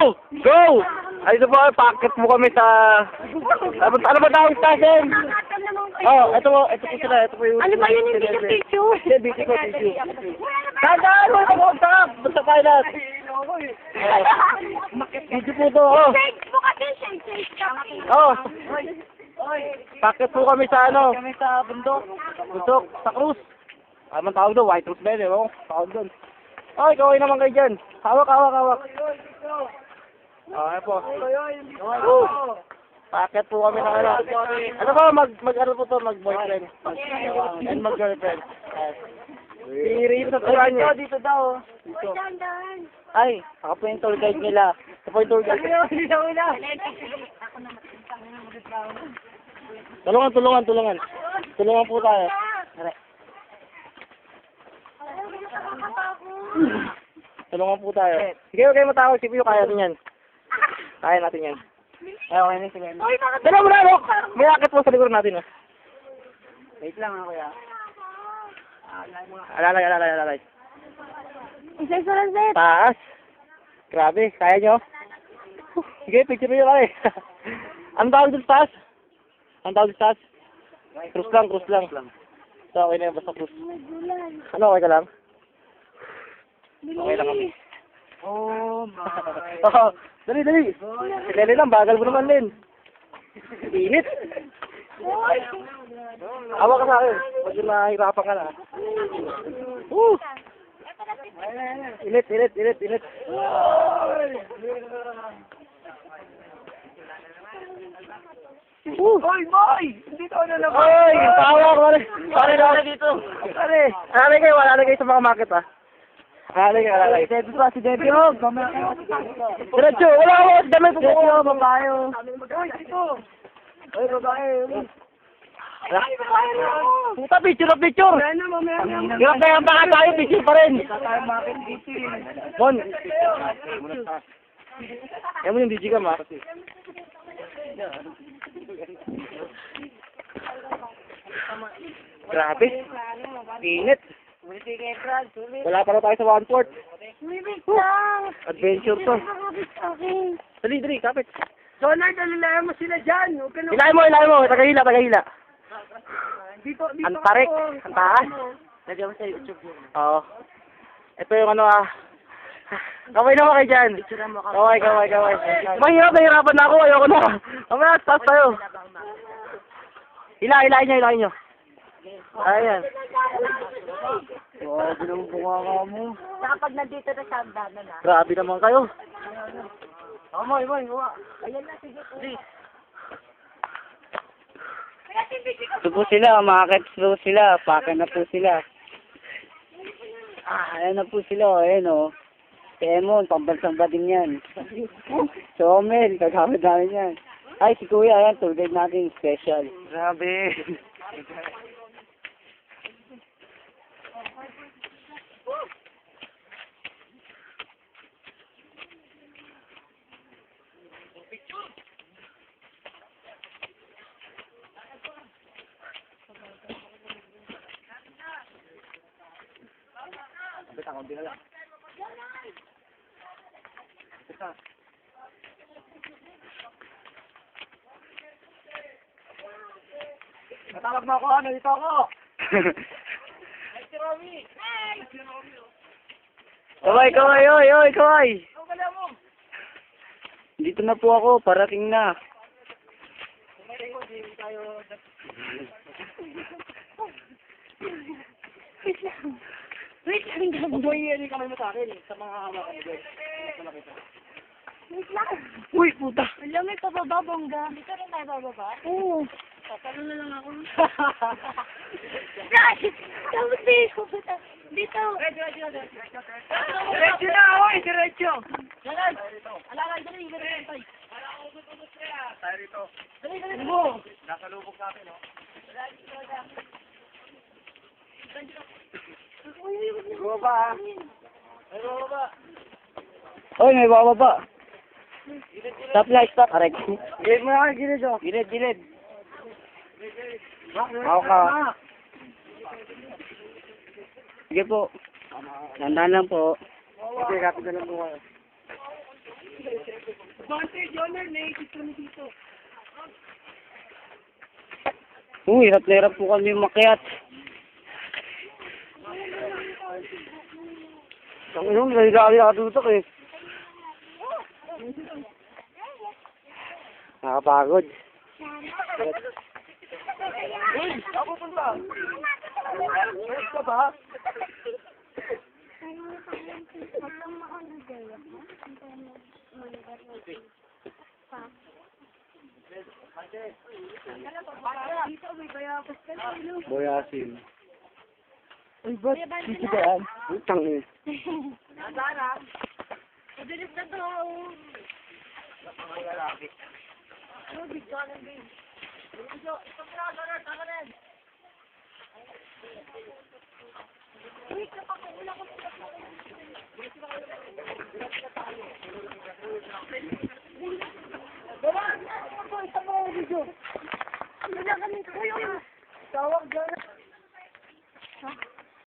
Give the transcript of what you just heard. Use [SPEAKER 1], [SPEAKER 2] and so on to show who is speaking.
[SPEAKER 1] Go! Ay, ito po, packet mo kami sa... Ano ba tawag sa akin? Oh, ito po sila. Ito po yung...
[SPEAKER 2] Ano ba yun, hindi yung tissue?
[SPEAKER 1] Hindi, busy ko, tissue. Tandaan mo, mag-usap! Basta pilot! Busy po ito, oh.
[SPEAKER 2] Shake mo kasi, shake.
[SPEAKER 1] Oh. Packet po kami sa ano? Kami sa bundok. Bundok, sa cruise. Ano tawag doon? White Rose Bell, oh. Tawag doon. Ay, kaway naman kayo dyan. Hawak. Ayan po. Packet po kami ng ano. Ano ba, mag-ano po to, mag-boyfriend. And mag-girlfriend. Si Rin sa turan niya. Dito daw. Dito. Ay, ako po yung tour guide nila. Ako po yung tour guide. Tulungan. Tulungan po tayo. Tulungan po tayo. Sige, huwag kayo matawag. Sige, kaya natin yan. Kaya natin yan. Ay, okay na, sige. Dala mo na, no? May akit po sa likod natin, ah. Wait lang, ako ya. Alalay.
[SPEAKER 2] Isa lang, Zed.
[SPEAKER 1] Taas. Grabe, kaya nyo? Sige, picture nyo kami. Ang tawag doon sa taas? Cruise lang. So, okay na yun, basta cruise. Ano, okay ka lang? Okay lang kami.
[SPEAKER 2] Oh,
[SPEAKER 1] Oh, dali. Dali lang, bagal mo naman din. Init. Awa ka sa akin. Pag nahihirapan ka na. Init.
[SPEAKER 2] Hoy, boy! Dito na naman.
[SPEAKER 1] Oy, tawa ko. Pare dito. Pare, alalay kayo sa mga market, ah. Alalay.
[SPEAKER 2] Dito pa si Debbie, oh.
[SPEAKER 1] Diretso, wala ako. Dami po
[SPEAKER 2] Debbie,
[SPEAKER 1] ko.
[SPEAKER 2] oh, babae, oh. Hoy, dito. Hoy, babae, oh.
[SPEAKER 1] Puta, picture.
[SPEAKER 2] Mamaya.
[SPEAKER 1] Hirap kaya baka tayo, picture pa rin.
[SPEAKER 2] Tayo makit dito,
[SPEAKER 1] Bon. Yan mo yung DJ ka, ma. Grabe. Init. Wala pa na tayo sa one port. Adventure to. Dali, kapit.
[SPEAKER 2] Donald, alalayan mo sila dyan.
[SPEAKER 1] Ilahin mo. Tagahila.
[SPEAKER 2] Dito
[SPEAKER 1] Ang tarik. Ang taas.
[SPEAKER 2] Lagyan mo sa YouTube yun.
[SPEAKER 1] Oo. Ito yung ano, Kaway naman kayo dyan. Kaway. Nahihirapan na ako. Ayoko na. Mamaya, taas tayo. Hilahin nyo. Ayan.
[SPEAKER 2] Oh, bilang bunga mo. Saka pag nandito na siya, dana na.
[SPEAKER 1] Grabe naman kayo.
[SPEAKER 2] Moy, huwa. Ayan na, sige.
[SPEAKER 1] Ito po sila, makakit po sila. Paka na po sila. Ayan na po sila. Ayan o. Si Emon, pambansang ba din yan. Si Omel, kagamit namin yan. Ay, si Kuya, ayan, tour guide natin, special. Grabe.
[SPEAKER 2] Natawag mo ako, dito ako.
[SPEAKER 1] Kaway. Dito na po ako, parating na.
[SPEAKER 2] Wait lang.
[SPEAKER 1] Hindi kamay mo sa akin, sa mga hawakan.
[SPEAKER 2] Wait lang.
[SPEAKER 1] Uy, puta.
[SPEAKER 2] Alam, may pababa, bongga. Dito rin tayo bababa? Oo. Papalo na lang ako. Tapos dito. Diretso na, oy! Diretso! Alakay, dali.
[SPEAKER 1] Tayo rito.
[SPEAKER 2] Dali mo!
[SPEAKER 1] Nasa lubog natin, no? Baba. Oy, may bababa. Stop. Correct.
[SPEAKER 2] Gilid mo na kayo, gilid, oh.
[SPEAKER 1] Gilid. Ako ka. Sige po. Tandaan lang po.
[SPEAKER 2] Okay, kapit na lang po kayo.
[SPEAKER 1] Hirap na hirap po kami makiat. Ang inong, nalilari ako tutok eh. Nakapagod.
[SPEAKER 3] Uy, ako punta. Ayos ka ba?
[SPEAKER 1] Boyasin. Uy, ba't? Sisi ba yan? Utang eh.
[SPEAKER 2] Madalis na to.
[SPEAKER 3] Tawag